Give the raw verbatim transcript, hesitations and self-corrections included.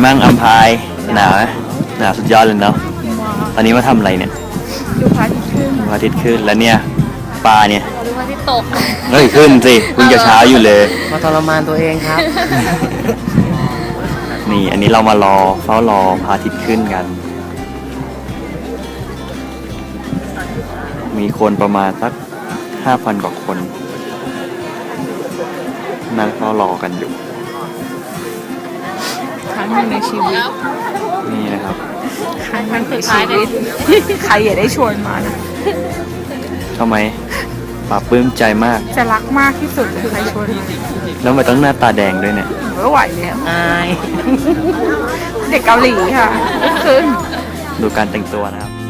มั่งอัมพายหนาวหนาวสุดยอดเลยเนาะตอนนี้มาทำอะไรเนี่ยดูพระอาทิตย์ขึ้นพระอาทิตย์ขึ้นแล้วเนี่ยปลาเนี่ยดูพระอาทิตย์ตกเฮ้ยขึ้นสิเพิ่งจะเช้าอยู่เลยมาทรมานตัวเองครับนี่อันนี้เรามารอเฝ้ารอพระอาทิตย์ขึ้นกัน มีคนประมาณสักห้าพันกว่าคนนั่งเฝ้ารอกันอยู่ครั้งหนึ่งในชีวิตนี่นะครับครั้งหนึ่งในชีวิตใครอย่าได้ชวนมานะทำไมปลาปลื้มใจมากจะรักมากที่สุดเลยใครชวนมาแล้วทำไมต้องหน้าตาแดงด้วยเนี่ยไม่ไหวแล้วอายเด็กเกาหลีค่ะขึ้นดูการแต่งตัวนะครับ